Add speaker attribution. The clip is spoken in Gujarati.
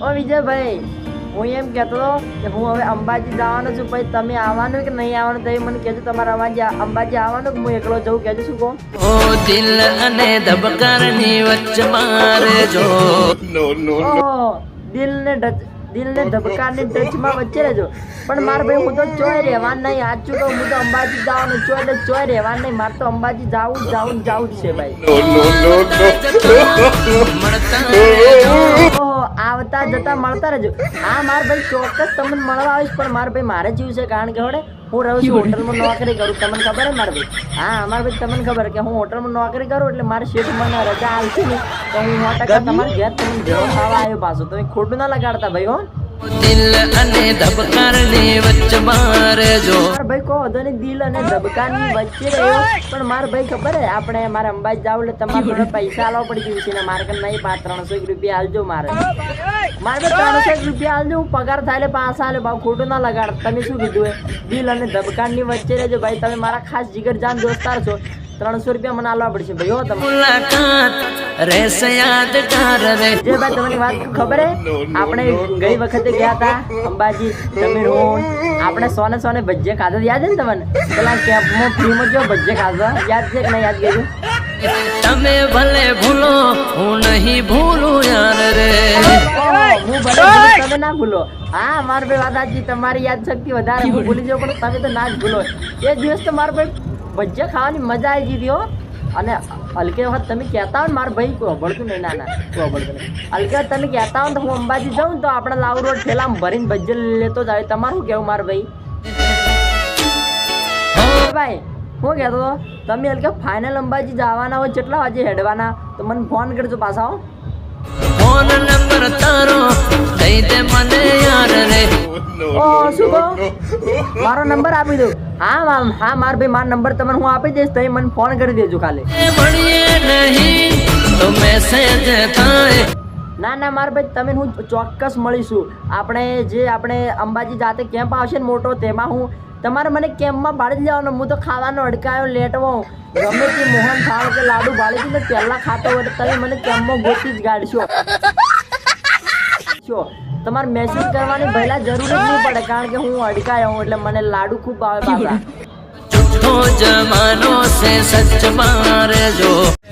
Speaker 1: ઓ વિજયભાઈ, હું એમ કહેતો હતો કે હું હવે અંબાજી જવાનો છું, પછી તમે આવવાનું કે નહીં આવવાનું તો મને કહેજો. તમારે અંબાજી આવવાનું કે હું એકલો જઉં, કહેજો. શું કહો?
Speaker 2: ઓ દિલ અને ધબકારની વચ્ચે મારે જો
Speaker 1: દિલ ને ધબકારની ટચમાં વચ્ચે રહેજો. પણ મારે ભાઈ હું તો ચોય રહેવાનું નહીં. સાચું કહું, હું તો અંબાજી જવાનું ચોય એટલે ચોય રહેવાનું નહીં. મારે તો અંબાજી જવું જ છે ભાઈ. આવતા જતા મળતા રહેજો. હા મારે ભાઈ ચોક્કસ તમને મળવા આવીશ. પણ મારે ભાઈ મારે જીવ છે, કારણ કે હું રહું છું હોટલમાં નોકરી કરું. તમને ખબર હે મારે ભાઈ? હા અમારે ભાઈ તમને ખબર કે હું હોટલમાં નોકરી કરું એટલે મારે શેઠ મને રજા આવશે ને તો હું 100% તમારા ઘેર તમને ભેળો ખાવા આવ્યો પાછો. તમે ખોટું ના લગાડતા ભાઈ. હો
Speaker 2: દિલ અને ધબકારની વચ્ચે મારે જો
Speaker 1: ભાઈ કહો તો ને દિલ અને ધબકારની વચ્ચે રહ્યો. પણ મારે ભાઈ ખબર હે આપણે મારે અંબાજી જાવ એટલે તમારે થોડા પૈસા આલવા પડી જશે ને. મારે નહીં 300 રૂપિયા આલજો. મારે 300 રૂપિયા આલજો. હું પગાર થાય એટલે પાછા આલે ભાવ. ખોટું ના લગાડ. તમે શું કીધું હે? દિલ અને ધબકારની વચ્ચે રહેજો ભાઈ. તમે મારા ખાસ જીગર જાન દોસ્તાર છો. 300 રૂપિયા મને આલવા પડશે ભાઈ. હો તમે
Speaker 2: મુલાકાત રહેશે યાદગાર રે.
Speaker 1: જે ભાઈ તમને વાત ખબર હે, આપણે ગઈ વખતે ગયા હતા અંબાજી, તમે આપણે સોને ભજીયા ખાધા. યાદ છે ને તમને? પેલા કેમ્પમાં ફ્રીમાં જો ભજીયા ખાધા. યાદ છે કે નહીં? યાદ ગયું?
Speaker 2: તમે ભલે ભૂલો હું નહીં ભૂલું યાર રે.
Speaker 1: હું ભલે ભૂલું, તમે ના ભૂલો. હા મારે ભાઈ વાત સાચી. તમારી યાદ શક્તિ વધારે. હું ભૂલી જાઉં પણ તમે તો ના જ ભૂલો. એ દિવસ તો મારે ભાઈ ભજીયા ખાવાની મજા આવી ગઈ હતી. હો અને હલકે વખત તમે કહેતા હો ને મારા ભાઈ કોઈ અભળતું નહીં. ના અભળતું નહીં. હલકે વખત તમે કહેતા હો ને તો હું અંબાજી જાઉં તો આપણે લાવ રોડ ઠેલામાં ભરીને ભજીયા લેતો જ આવે. તમારું શું કહેવું મારા ભાઈ? ભાઈ હું કહેતો હતો તમે હલકે ફાઇનલ અંબાજી જવાના હોય કેટલા વાગે હેડવાના તો મને ફોન કરજો પાછા. હો
Speaker 2: ફોન નંબર તારો દઈ દે મને યાર રે.
Speaker 1: ઓ શું કહો? મારો નંબર આપી દો. હા માર ભાઈ મારો નંબર તમને હું આપી દઈશ. તમે મને ફોન કરી દેજો કાલે.
Speaker 2: મળીએ નહીં તો મેસેજ થાય.
Speaker 1: ના માર ભાઈ તમે હું ચોક્કસ મળીશું. આપણે અંબાજી જાતે કેમ્પ આવશે ને મોટો, તેમાં હું તમારે મને કેમ્પમાં ભાડી લેવાનો. હું તો ખાવાનો અડકાયો લેટવો ગમે તે મોહન થાળ કે લાડુ ભાડી ને પહેલા ખાતો હોય તમે મને કેમ્પમાં ગોતી જ ગાડશો. તમારે મેસેજ કરવાની પહેલા જરૂર જ નહીં પડે, કારણ કે હું અડકાયો હું એટલે મને લાડુ ખૂબ ભાવે પાછા.
Speaker 2: જમાનો સે સચ મારે જો